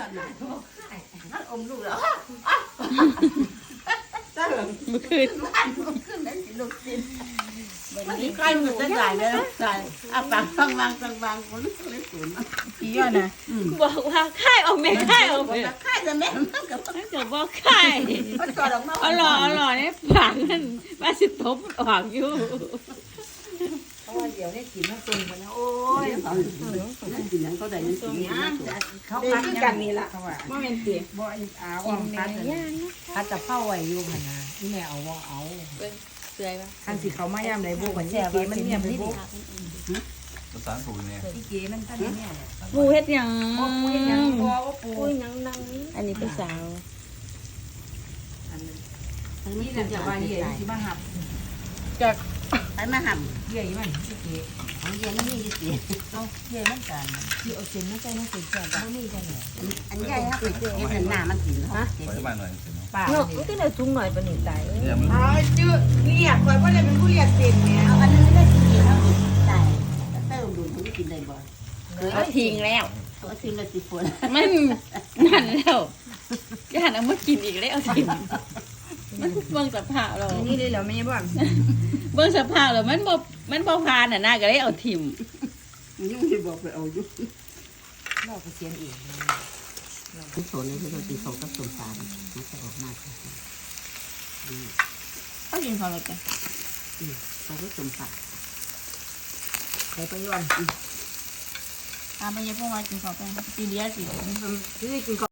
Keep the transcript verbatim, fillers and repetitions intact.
ำนานนั่นอมลูกแล้วตั้งเมื่อคืนบ้านขึ้นได้สิลูกกินมันมีใครมันจะใส่เลยใส่อาปากบางบางบางบางคนเลยสูนพี่ย้อนนะบอกว่าค่ายออกแม่ค่ายออกบอกแม่ว่าค่ายจะแม่กับนั่นก็บอกค่ายมันก่อนออกมาอร่อยอร่อยเนี่ยปากนั่นมาสิตบออกอยู่เพราะว่าเดี๋ยวได้กินมาตุนกันนะโอ้ยเขานั่นกินนั้นเขาได้นั่นกินนี้เขาพักกันนี่ละเขาว่าบ่แม่นติบ่อีกอาว่าพัดพัดจะเข้าไว้อยู่พนาที่แม่เอาว่าเอาเสื่อยป่ะคันสิเขามาย่ำไรบุกมันเก๋มันเนี่ยไปบุกภาษาถูกเนี่ยที่เก๋มันท่านเนี่ยปูเฮ็ดหยังปูยังบัวว่าปูปูหยังนังอันนี้เป็นสาวนี่น่ะจะว่าเย่ที่มาหับจากไปมาหับเย่มันที่เก๋ของเย็นนี่มีกี่เอาเย่มันกันที่เอาเส้นไม่ใช่ไม่เส้นแก่บ่มีกันเนี่ยอันใหญ่ถ้าไปเห็นหน้ามันกินฮะขอให้บ้านหน่อยสิเนาะป้าเนาะนี่มันก็ได้ถุงหน่อยปานนี้ตายเนี่ยมันอ๋อจื้อเรียกคอยว่าเลยเป็นผู้เรียกเส้นเนี่ยเอาอันนึงได้กินแล้วใช่เติมดูมันกินได้บ่เอาทิ้งแล้วตัวซิมละสิฝนมันนั่นแล้วย่านเอามากินอีกแล้วเอาทิ้งมันเบิ่งสภาพเรานี่เลยเหรอไม่ใช่บ่เบิ่งสภาพแล้วมันบ่มันบ่ผ่านน่ะนะก็เลยเอาทิ่มยุ่งที่บอกไปเอายุ่งเราก็เสียนเองทุกโซนนี่คือเราตีเขากับสมสารมันจะออกมาเอากินพอแล้วจ้ะเขาก็สมสารใส่ไปย้อนอ่าไปยังพวกว่ากินข้าวไปตีเดียสิคือกิน